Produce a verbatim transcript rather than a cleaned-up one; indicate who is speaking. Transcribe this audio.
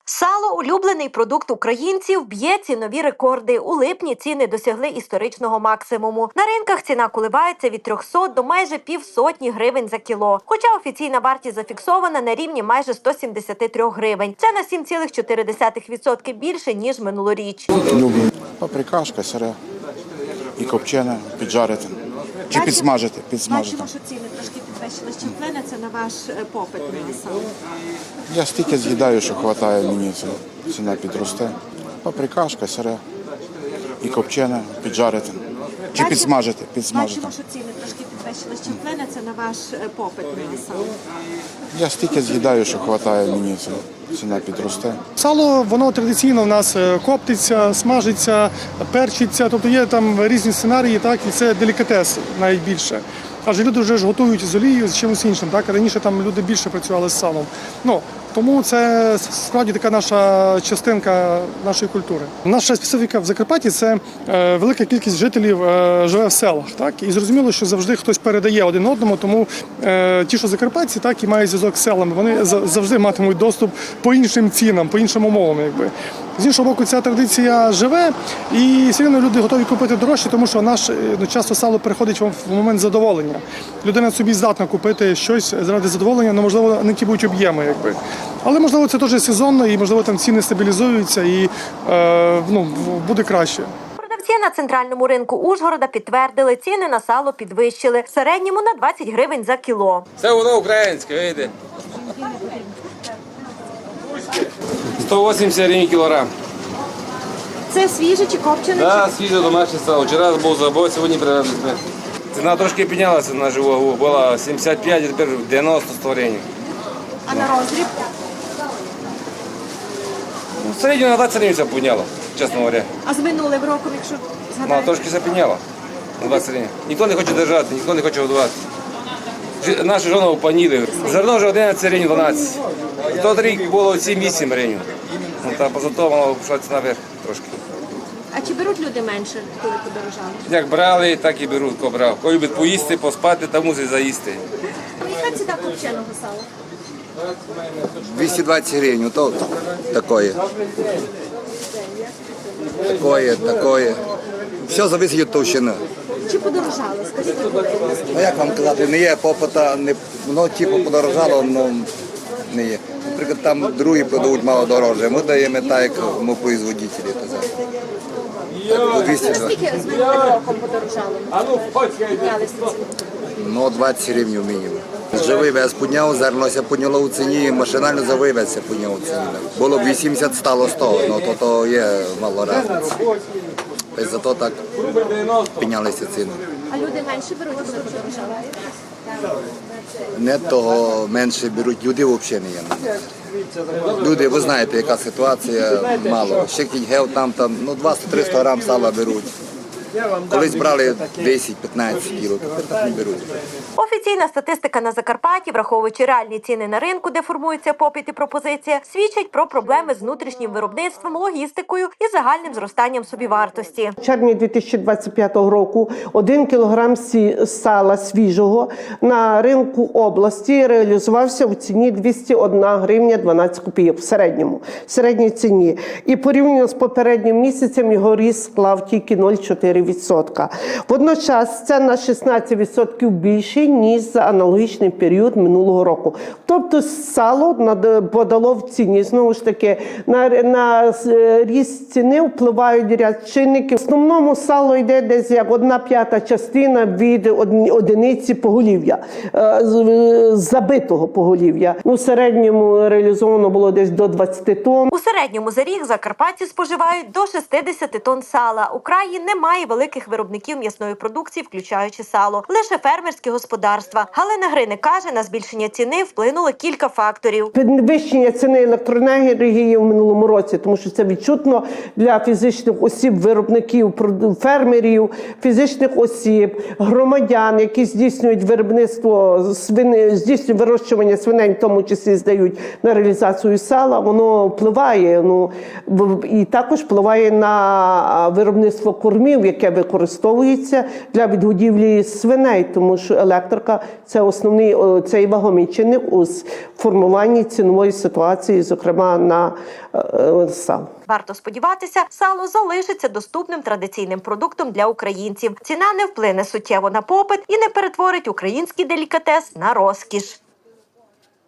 Speaker 1: Сало – улюблений продукт українців, б'є цінові рекорди. У липні ціни досягли історичного максимуму. На ринках ціна коливається від трьохсот до майже півсотні гривень за кіло. Хоча офіційна вартість зафіксована на рівні майже ста сімдесяти трьох гривень. Це на сім цілих чотири десятих відсотка більше, ніж минулоріч.
Speaker 2: Люблю. Паприкашка, сире і копчене, піджарити. Чи підсмажити, підсмажити.
Speaker 1: Бачимо, що ціни трошки підвищились. Чи вплине це на ваш попит на сало?
Speaker 2: Я стільки з'їдаю, що вистачає мені, ціна підросте. Паприкашка, сире і копчене, піджарити. Чи підсмажити, підсмажити.
Speaker 1: Бачимо, що ціни трошки підвищились. Чи вплине це на ваш попит на сало?
Speaker 2: Я стільки з'їдаю, що вистачає мені, ціна підросте.
Speaker 3: Сало, воно традиційно в нас коптиться, смажиться, перчиться, тобто є там різні сценарії, так, і це делікатес найбільше. Адже люди вже ж готують з олією, з чимось іншим, так, раніше там люди більше працювали з салом. Ну, тому це справді така наша частинка нашої культури. Наша специфіка в Закарпатті – це е, велика кількість жителів е, живе в селах, так, і зрозуміло, що завжди хтось передає один одному, тому е, ті, що закарпатці, так, і мають зв'язок з селами, вони завжди матимуть доступ по іншим цінам, по іншим умовам, якби. З іншого боку, ця традиція живе, і все одно люди готові купити дорожче, тому що наш, ну, часто сало приходить в момент задоволення. Людина собі здатна купити щось заради задоволення, але, можливо, не ті будуть об'єми, якби. Але, можливо, це теж сезонно, і, можливо, там ціни стабілізуються, і е, ну, буде краще.
Speaker 1: Продавці на центральному ринку Ужгорода підтвердили, ціни на сало підвищили. В середньому на двадцять гривень за кіло.
Speaker 4: Це воно українське, видите? сто вісімдесят гривень кілограм.
Speaker 1: Це свіже чи копчене?
Speaker 4: Так, свіже домашнє сало. Вчора був забой, сьогодні привезли. Ціна трошки піднялася на живу вагу. Була сімдесят п'ять, а тепер дев'яносто сто гривень.
Speaker 1: А на роздріб?
Speaker 4: В середньому на двадцять гривень все підняло, чесно говоря.
Speaker 1: А з минулим роком, якщо
Speaker 4: Ну,
Speaker 1: згадаєте?
Speaker 4: трошки все підняло на двадцять гривень. Ніхто не хоче держати, ніхто не хоче годувати. Жі- Наші жони опаніли. Зерно вже одинадцять гривень, дванадцять. Тот рік було сім-вісім гривень. Ну, та позато воно пішла ціна вверх трошки.
Speaker 1: А чи беруть люди менше, коли подорожали?
Speaker 4: Як брали, так і беруть, кого брав. Кого любить поїсти, поспати, та мусить заїсти.
Speaker 1: Яка ціна копченого сала?
Speaker 5: двести двадцать гривен, то такое. Такое, такое. Все залежить від товщини.
Speaker 1: Чи подорожали? Скажіть, коли?
Speaker 5: Ну як вам казати, не є попита, не, воно типу подорожало, але не є. Наприклад, там другі продають мало дорожче, ми даємо так, як ми производителі. По двісті двадцять.
Speaker 1: Скільки з минулим роком подорожало? Піднялися ціни?
Speaker 5: Ну, двадцять гривень мінімум. Живий вес підняв, зернося підняло у ціні, машинально за вивез підняв у ціні. Було б вісімдесят, стало сто, ну то, то є мало різниці. Тобто зато так піднялися ціни.
Speaker 1: А люди менше беруть, коли подорожали?
Speaker 5: Не того менше беруть, люди взагалі не є. Люди, ви знаєте, яка ситуація, мало. Ще кіть гев там, там, ну двісті-триста грам сала беруть. Колись брали десять-п'ятнадцять кіло, тепер так не беруть.
Speaker 1: Офіційна статистика на Закарпатті, враховуючи реальні ціни на ринку, де формується попит і пропозиція, свідчить про проблеми з внутрішнім виробництвом, логістикою і загальним зростанням собівартості.
Speaker 6: В червні дві тисячі двадцять п'ятого року один кілограм сі- сала свіжого на ринку області реалізувався в ціні двісті одна гривня дванадцять копійок в середньому, в середній ціні. І порівняно з попереднім місяцем його ріст склав тільки нуль цілих чотири відсотка. Водночас це на шістнадцять відсотків більше, ніж за аналогічний період минулого року. Тобто сало над- подало в ціні. Знову ж таки, на, на е, ріст ціни впливають ряд чинників. В основному сало йде десь як одна п'ята частина від одні- одиниці поголів'я, е, з- е, забитого поголів'я. Ну, в середньому реалізовано було десь до двадцяти тонн.
Speaker 1: У середньому за рік закарпатці споживають до шістдесят тонн сала. У краї немає великих виробників м'ясної продукції, включаючи сало. Лише фермерські господарства. Галина Гриник каже, на збільшення ціни вплинуло кілька факторів.
Speaker 6: Підвищення ціни електроенергії в минулому році, тому що це відчутно для фізичних осіб, виробників, прод- фермерів, фізичних осіб, громадян, які здійснюють виробництво свини, здійснюють вирощування свиней, в тому числі здають на реалізацію сала, воно впливає, ну, в- і також впливає на виробництво кормів, яке використовується для відгодівлі свиней, тому що електрика – це основний о, цей вагомий чинник у с- формуванні цінової ситуації, зокрема на е, е, сало.
Speaker 1: Варто сподіватися, сало залишиться доступним традиційним продуктом для українців. Ціна не вплине суттєво на попит і не перетворить український делікатес на розкіш.